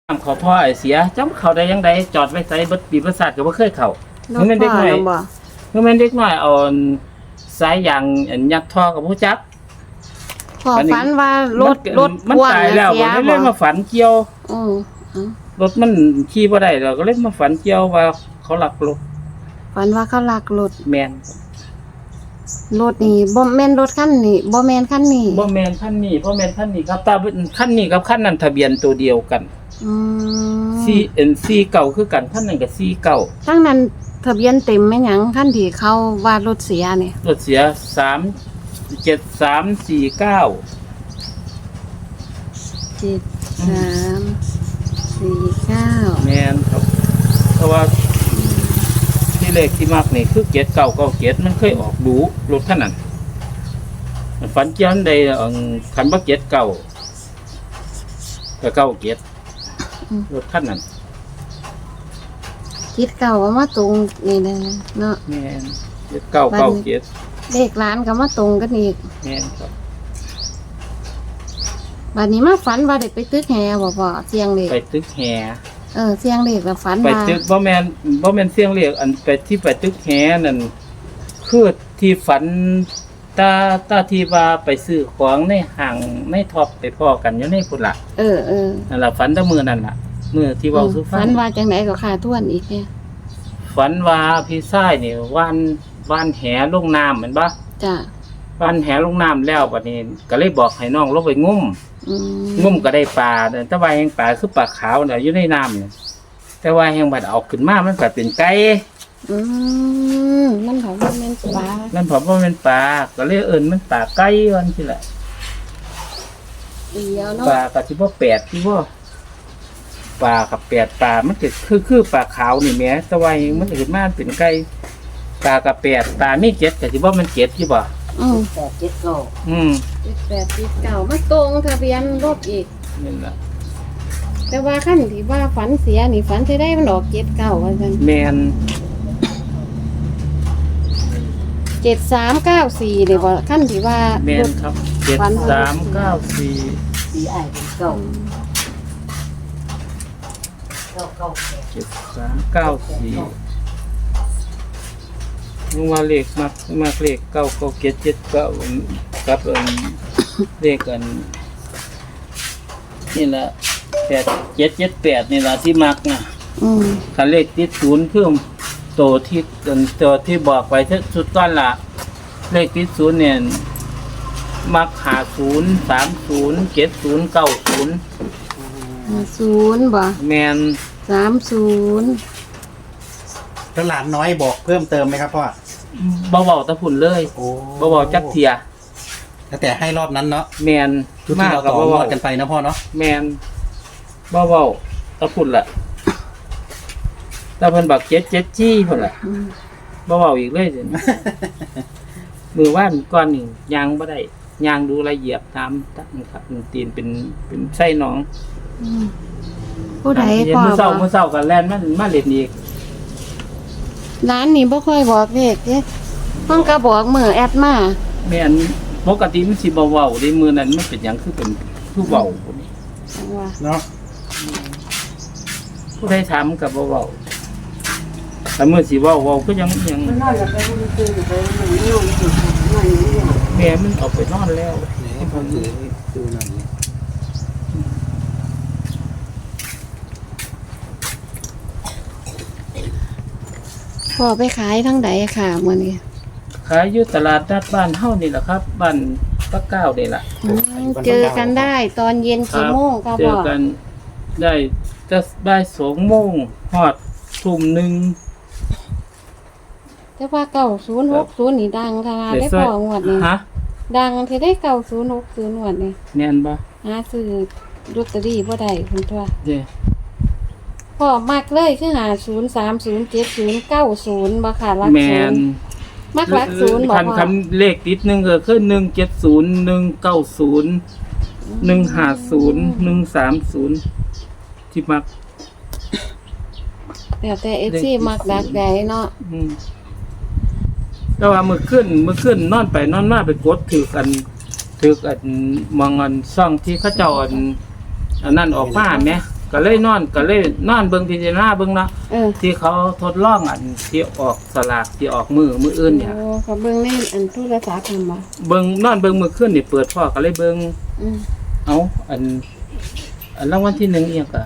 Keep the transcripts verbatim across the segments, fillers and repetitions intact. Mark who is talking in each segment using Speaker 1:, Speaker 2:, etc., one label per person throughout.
Speaker 1: น้ำเขาท่อไอเสียจ้ำเขาได้ยังไงจอดไว้ใส่เบิดปีประสาทก็บ่เคยเข้าร
Speaker 2: ถ
Speaker 1: เมื่อแม่นเด็ก
Speaker 2: พ่อ
Speaker 1: น้อย
Speaker 2: นำบ่
Speaker 1: เมื่อแม่นเด็กน้อยเอาสายยางอันยัดท่อกับผู้จับ
Speaker 2: พ่อ
Speaker 1: อันนี้
Speaker 2: ฝันว่ารถ
Speaker 1: มัน
Speaker 2: รถ
Speaker 1: มัน
Speaker 2: พ่วง
Speaker 1: ตายแล้ว
Speaker 2: เสีย
Speaker 1: ก็เล
Speaker 2: บ่
Speaker 1: ยมาฝันเกี่ยว
Speaker 2: อืออือ
Speaker 1: รถมันขี่บ่ได้เราก็เลยมาฝันเกี่ยวว่าเขาลักรถ
Speaker 2: ฝันว่าเขาลักรถ
Speaker 1: แม่น
Speaker 2: รถนี่บ่แม่นรถคันนี้บ่แม่นคันนี้
Speaker 1: บ่แม่นคันนี้บ่แม่นคันนี้ครับตาคันนี้กับคันนั้นทะเบียนตัวเดียวกัน
Speaker 2: อืม
Speaker 1: ซีเอ็นซีเก่าคือกันคันนั้นก็ซีเก่า
Speaker 2: ทั้งนั้นทะเบียนเต็มแม่นหยังคันที่เขาว่ารถเสียนี่
Speaker 1: รถเสียสาม เจ็ด สาม สี่ เก้า
Speaker 2: เจ็ด สาม สี่ เก้า
Speaker 1: แม่นครับเพราะว่าที่เลขที่มากนี่คือเจ็ดเก้าเก้าเจ็ดมันเคยออกดูรถคันนั้นฝันเกี่ยนใดอังคันบ่เจ็ดเก้าก็เก้าเจ็ดรถคันนั้น
Speaker 2: คิดเก่าว่ามาตรงนี่เด้อเนาะ
Speaker 1: แม่นเจ็ดเก้าเก้าเจ็ด
Speaker 2: เลขร้านก็มาตรงกันอีก
Speaker 1: แม่นครับ
Speaker 2: บัดนี้มาฝันว่าได้ไปตึกแฮบ่พ่อเสียงเลข
Speaker 1: ไปตึกแห
Speaker 2: เออเสียงเลขแล้วฝัน
Speaker 1: ไป
Speaker 2: ว่า
Speaker 1: ตึกบ่แม่นบ่แม่นเสียงเรียกอันไปที่ไปตึกแหนั่นคือที่ฝันตาตาที่ว่าไปซื้อของในห้างในท็อปไปพ้อกันอยู่ในพุ่นล่ะ
Speaker 2: เออเออ
Speaker 1: นั่นล่ะฝันแต่มื้อนั่นล่ะมื้อที่เว้าสู่ฟั
Speaker 2: ฝั
Speaker 1: ง
Speaker 2: นว่าจังไหนก็ขาทวนอีกเนี่ย
Speaker 1: ฝันว่าพี่ชายนี่ว่านว่านแหลงน้ำาแม่นบ่
Speaker 2: จ้ะ
Speaker 1: ว่านแหลงน้ำแล้วบัดนี้ก็เลยบอกให้น้องลงไปงุ่ม
Speaker 2: อืม
Speaker 1: งุ่มก็ได้ปลาแต่ว่าแห่งปลาคือปลาขาวน่ะอยู่ในน้ำนี่แต่ว่าแห่งบัดเอาขึ้นมามันก็เป็นไก่
Speaker 2: อืมมันของมันเป็นปลา
Speaker 1: นั่นผมว่าเป็นปลาก็เลยเอิ้นมันปลาไก่วันที่แหละ
Speaker 2: เดียวเนาะ
Speaker 1: ปลากับที่ว่าแปดที่ว่าปลากับแปดปลามันก็คือคือปลาขาวนี่แหม่แต่ว่ามันก็ขึ้นมาเป็นไก่ปลากับแปดปลามีเจ็ดก็ที่ว่ามันเจ็ดที่บ่
Speaker 2: อืม
Speaker 3: แปดเจ็ดเก้า
Speaker 1: อืม
Speaker 2: เจ็ดแปดสิบเก้ามาตรงทะเบียนรถอีก
Speaker 1: นี่แหละ
Speaker 2: แต่ว่าขั้นที่ว่าฝันเสียนี่ฝันจะได้มันออกเจ็ดเก้าว่าซั่น
Speaker 1: แมน
Speaker 2: เจ็ดสามเก้าสี่นี่บ่ขั้นที่ว่า
Speaker 1: แมนครับเจ็ดสามเก้าสี่
Speaker 3: สี่ไอ้เป็นเก้าเก้าเก้าแปด
Speaker 1: เจ็ดสามเก้าสี่ลุงว่าเลขมักมักเลขเก้าเก้าเจ็ดเจ็ดเก้ากับเอิ้นเลขกัน นี่แหละแปดเจ็ดเจ็ดแปดนี่แหละที่มักนะ
Speaker 2: อืม
Speaker 1: คันเลขติดศูนย์เพิ่มโตที่ตัวที่บอกไปสุดก้อนละเลขติดศูนย์เนี่ยมักหาศูนย์สามศูนย์เจ็ดศูนย์เก้าศูนย์
Speaker 2: ศูนย์บ่
Speaker 1: แมน
Speaker 2: สามศูนย์
Speaker 4: แล้วหลานน้อยบอกเพิ่มเติมไหมครับพ่อ
Speaker 1: เบาๆตะพุ่นเลย
Speaker 4: โอ้
Speaker 1: เบาๆจักเทีย
Speaker 4: แล้วแต่ให้รอบนั้นเนาะ
Speaker 1: แมน
Speaker 4: ชุดที่เรา
Speaker 1: กับ
Speaker 4: ต่อรอ
Speaker 1: เบา
Speaker 4: ดกันไปนะพ่อเนาะ
Speaker 1: ๆแมนเบาๆตะพุ่นแหละตะเพิ่นบักเจ็ดเจ็ดจี้พุ่นแหละ
Speaker 2: อืม
Speaker 1: เบาๆอีกเลยเดี๋ยวนี้ มือว่านก้อนหนึ่งยางบ่ได้ยางดูละเอียดตามตั้งครับตีนเป็นเป็นไส้หนอง
Speaker 2: อืมผู้ใด
Speaker 1: เย็น
Speaker 2: พ่อ
Speaker 1: มื้อเช้า
Speaker 2: บ่
Speaker 1: มื้อเช้ากันแล่นมันมาเล่นอีก
Speaker 2: ร้านนี้บ่ค่อยบอกเลขเด้เพิ่นก็บอกมื้อแอดมา
Speaker 1: แม่นปกติมันสิบ่เว้าได้มื้อนั้นมันเป็นหยังคือเป็นผู้เว้าพุ่นนี่
Speaker 2: จังว่า
Speaker 4: เนาะ
Speaker 1: ผู้ใดถามก็บ่เว้าแต่มื้อสิเว้าเว้าก็ยังยัง
Speaker 3: มันนอนแล้วไปมันตื่นไปมันนอนตื่นนอนอยู่เนี่ย
Speaker 1: แม่มันออกไปนอนแล้ว
Speaker 4: ไหนให้พ่อถือดูหน่อยนี่
Speaker 2: พ่อไปขายทั้งใดค่ะมื้อนี้
Speaker 1: ขายอยู่ตลาดนัดบ้านเฮานี่แหละครับบ้านปะเก้านี่ล่ะ
Speaker 2: อืมเจอกันได้ตอนเย็นกี่โมงครับ
Speaker 1: เจ
Speaker 2: พ่
Speaker 1: อ
Speaker 2: อ
Speaker 1: กันได้จะบ่ายสองโมงฮอดทุ่มหนึ่ง
Speaker 2: แต่ว่าเก้าศูนย์หกศูนย์นี่ดังทาราได้พองวดนี้
Speaker 1: ฮะ
Speaker 2: ดังที่ได้เก้าศูนย์หกศูนย์งวดนี้
Speaker 1: แม่นบ่
Speaker 2: หาซื้อลอตเตอรี่บ่ได้คุณตัว
Speaker 1: เด้
Speaker 2: พ่อมักเลยคือหาศูนย์สามศูนย์เจ็ดศูนย์เก้าศูนย์บ่ค่ะรัก
Speaker 1: แม่
Speaker 2: ศูน
Speaker 1: น
Speaker 2: ย์มักรักศูนย์บ่
Speaker 1: คัน
Speaker 2: พ่อ
Speaker 1: คันเลขติดหนึงก็คือหนึ่งเจ็ดศูนย์ หนึ่งเก้าศูนย์ หนึ่งห้าศูนย์ หนึ่งสามศูนย์ที่มัก
Speaker 2: แต่แต่ เอฟ ซี มักดักใหญ่เนาะ
Speaker 1: อืมแต่ว่ามื้อขึ้นมื้อขึ้นนอนไปนอนมาไปกดถือกันถือกันมองอันซ่องที่เขาเจ้าอันอันนั้นออกมาแหมก็เลยนอนก็เลยนอนเบิ่งพิจารณาเบิ่งเนาะ
Speaker 2: เออ
Speaker 1: ที่เขาทดลองอันที่ออกสลากที่ออกมือมืออื่นเนี่ย
Speaker 2: โอ้เขาเบิ่งในอันโทรศัพท์ทำบ่
Speaker 1: เบิ่งนอนเบิ่งมือขึ้นนี่เปิดพ่อก็เลยเบิ่ง
Speaker 2: อืม
Speaker 1: เอาอันอันรางวัลที่หนึ่งเอียงก็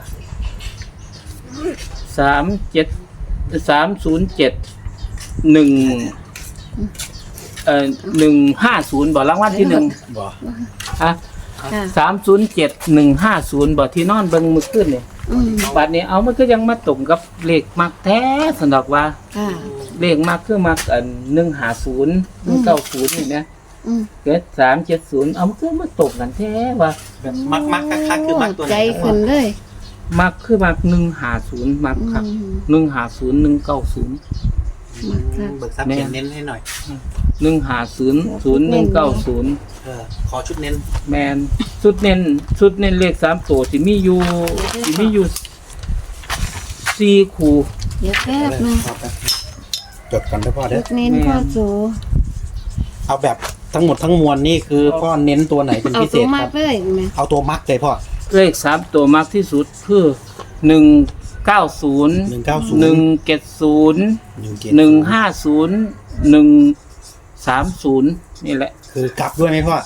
Speaker 1: สามเจ็ดสามศูนย์เจ็ดหนึ่งเอ่อหนึ่งห้าศูนย์บอกรางวัลที่หนึ่ง
Speaker 4: บอก
Speaker 1: อ่ะ
Speaker 2: ค่ะ
Speaker 1: สามศูนย์เจ็ดหนึ่งห้าศูนย์บอกที่นอนเบิ่งมือขึ้นเนี่ย
Speaker 2: อืม
Speaker 1: บัดนี้เอามันก็ยังมาตรงกับเลขมักแท้สนดอกว่า
Speaker 2: ค่ะ
Speaker 1: เลขมักคือมักอันหนึ่งหาศูนย์หนึ่งเก้าศูนย์นี่นะ
Speaker 2: อืม
Speaker 1: เกิดสามเจ็ดศูนย์เอามันก็มาตกกันแท้ว่า
Speaker 4: แบบมักมักคักๆคือมักตัวไหน
Speaker 2: ใจ
Speaker 4: ครับพ่
Speaker 2: ขึ้
Speaker 4: อน
Speaker 2: เลย
Speaker 1: มักคือมักหนึ่งหาศูนย์มักครับ
Speaker 2: อืม
Speaker 1: หนึ่งหาศูนย์หนึ่งเก้าศูนย์
Speaker 2: มักคัก
Speaker 4: เบิกทรัพย์เขียนเน้นให้หน่อย
Speaker 1: หนึ่งหาศูนย์ศูนย์หนึ่งเก้าศูนย์
Speaker 4: เออขอชุดเน้น
Speaker 1: แมนสุดเน้นสุดเน้นเลขสามตัวที่มีอยู่ที่มีอยู่สี่คู่
Speaker 2: เดี๋ยวแป๊บนึง
Speaker 4: จดกันได้พ่อเด้
Speaker 2: จุ
Speaker 4: อ
Speaker 2: ดเน้นพ่อโจ
Speaker 4: เอาแบบทั้งหมดทั้งมวลนี่คือพ่อเน้นตัวไหนเป็น
Speaker 2: เอา
Speaker 4: พิเศ
Speaker 2: ตัว
Speaker 4: ษ
Speaker 2: มา
Speaker 4: ค
Speaker 2: ก
Speaker 4: รับ
Speaker 2: เลยไหม
Speaker 4: เอาตัวมักเลยพ่อ
Speaker 1: เลขสามตัวมากที่สุดคือหนึ่งเก้าศูนย์
Speaker 4: หนึ่งเก้าศูนย์
Speaker 1: หนึ่งเจ็ดศูนย์
Speaker 4: หนึ่งเจ็ด
Speaker 1: หนึ่งห้าศูนย์หนึ่งสามศูนย์นี่แหละ
Speaker 4: คือกลับด้วยไหมพ่อก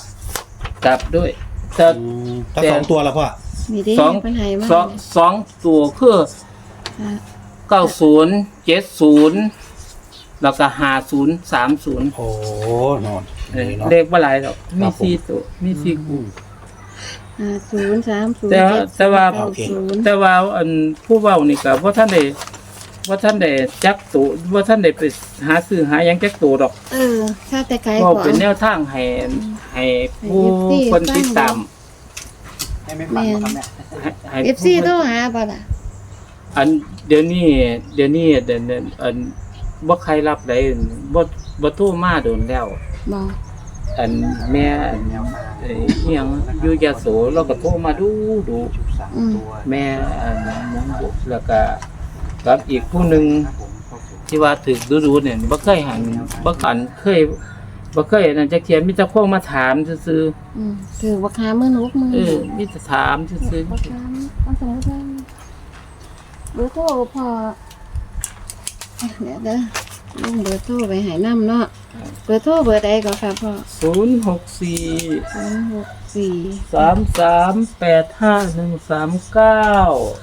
Speaker 1: ลับด้วยแต่
Speaker 4: อืมถ้าสองตัวละพ่อ
Speaker 2: มีได้
Speaker 1: สอง
Speaker 2: ปัญหามา
Speaker 1: สองสองตัวคือ
Speaker 2: ค่ะ
Speaker 1: เก้าศูนย์เจ็ดศูนย์แล้วก็ห้าศูนย์สามศูนย์
Speaker 4: โอ้นอน
Speaker 1: เออ
Speaker 4: นี่เนาะ
Speaker 1: เลขว่าหลายหรอกมี
Speaker 4: ครับผม
Speaker 1: สี่ตัวมีสี่คู่
Speaker 2: ห้าศูนย์สามศูนย์
Speaker 1: แต่
Speaker 2: เจ็ด
Speaker 1: แต่ว่า
Speaker 2: เก้าศูนย์
Speaker 1: แต่ว่าอันผู้เว้านี่ก็ว่าท่านได้ว่าท่านได้จักตัวว่าท่านได้ไปหาซื้อหาหยังจักตัวดอก
Speaker 2: เออถ้าแต่ไกล
Speaker 1: ก็
Speaker 2: กว่า
Speaker 1: เป็นแนวทางให้ให้ผู้
Speaker 2: ให้
Speaker 1: คน
Speaker 2: เอฟซี
Speaker 1: ติดตาม
Speaker 4: ให้ไม่ฟังนะครับเนี่ย
Speaker 1: ให้ให้
Speaker 2: เอฟซีโทรหาป่ะล่ะ
Speaker 1: อันเดี๋ยวนี้เดี๋ยวนี้เดี๋ยวนี้อันบ่ใครรับได้บ่บ่โทรมาโดนแล้ว
Speaker 2: บอก
Speaker 1: อันแม่อันเอ้ยอิหยังอยู่ยโสเราก็โทรมาดูดู
Speaker 2: อืม
Speaker 1: แม่อันยังบุแล้วก็กับอีกผู้หนึงที่ว่าถึกดูๆเนี่ยบ่เคยหันบ่คันเคยบ่เคยนั่นจักเทียมีแต่คนมาถามซื่อ
Speaker 2: อืมถือว่าคามือนุกมือ
Speaker 1: ๆเออมีแต่ถามซื่อ
Speaker 2: ว่าคาเอาสมมติว่าเบอร์โทรพออ่ะเดี๋ยวเด้อลุงเบอร์โทรไปใหายน้ำเนาะเบอร์โทรเบอร์ใดก็ครับพ่อ
Speaker 1: ๆศูนย์หกสี่
Speaker 2: ศูนย์หกสี่
Speaker 1: สามสามแปดห้าหนึ่งสามเก้า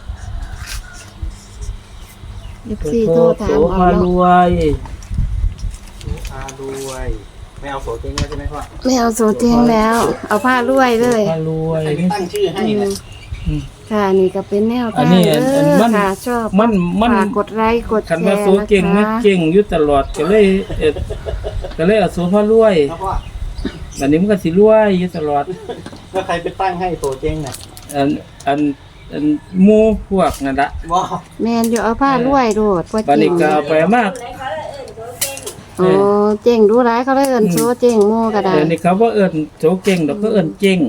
Speaker 2: ยี่สิบสี่โทรถาม
Speaker 1: โส
Speaker 2: เอา
Speaker 1: พาร
Speaker 2: เนาะ
Speaker 1: วย
Speaker 4: โสภาด้วยไม่เอาโสเจ๊งแล้วใช่ไหมพ่อ
Speaker 2: ไม่เอาโซเทียงแล้ว เอาผ้ารวยเลย
Speaker 1: พารวย
Speaker 4: ใครไปตั้งชื่อให้
Speaker 2: อื
Speaker 4: เนี่ย
Speaker 2: มค่ะนี่ก็เป็นแนว
Speaker 1: อัน
Speaker 2: ทาง
Speaker 1: นี้
Speaker 2: เอ
Speaker 1: อัน
Speaker 2: อ
Speaker 1: มัน
Speaker 2: ค่ะชอบ
Speaker 1: มันมัน
Speaker 2: ฝากกดไลค์กดแช
Speaker 1: คัน
Speaker 2: ร์
Speaker 1: ว่า
Speaker 2: นะ
Speaker 1: โสเก่งมัน
Speaker 2: คะ
Speaker 1: เก่งอยู่ตลอดก็เลยเอ็ดก็เลยเอาโสพารวย
Speaker 4: แล้วพ่อ
Speaker 1: อันนี้มันก็สิรวยอยู่ตลอด
Speaker 4: แล้วใครไปตั้งให้โสเจ๊งเนี่ย
Speaker 1: อันอันอันหมู่พวกนั่นละ
Speaker 4: ว้า
Speaker 2: แมนอยู่เอาผ้ารวยโดดว่า
Speaker 1: บัด
Speaker 2: จริ
Speaker 1: นี้
Speaker 2: ง
Speaker 1: ก็เอาไปมาก
Speaker 2: โอ้เจ๋งดูร้ายเขาเลยเอินโซเจ๋งโม่ก็ได้
Speaker 1: เดี๋ยวนี้เขาบ่เอิ้นโสเก่งดอกก็เอิ้นเก่ง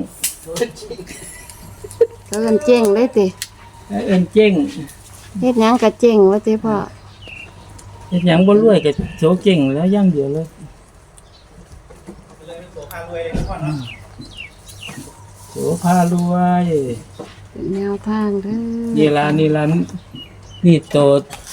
Speaker 2: เขาเอินเจ๋งเลยติ
Speaker 1: เอิ้นเก่ง
Speaker 2: เฮ็ดหยังก็เจ๋งว่าติพ่อ
Speaker 1: เฮ็ดหยังบ่รวยก็โสเก่งแล้วอย่างเดียวเลย
Speaker 4: โสภารวยเลยนะพ่อเนาะ
Speaker 1: โสพารวย
Speaker 2: เป็นแนวทางเด้อ
Speaker 1: นี่ล่ะนี่ล่ะนี่โต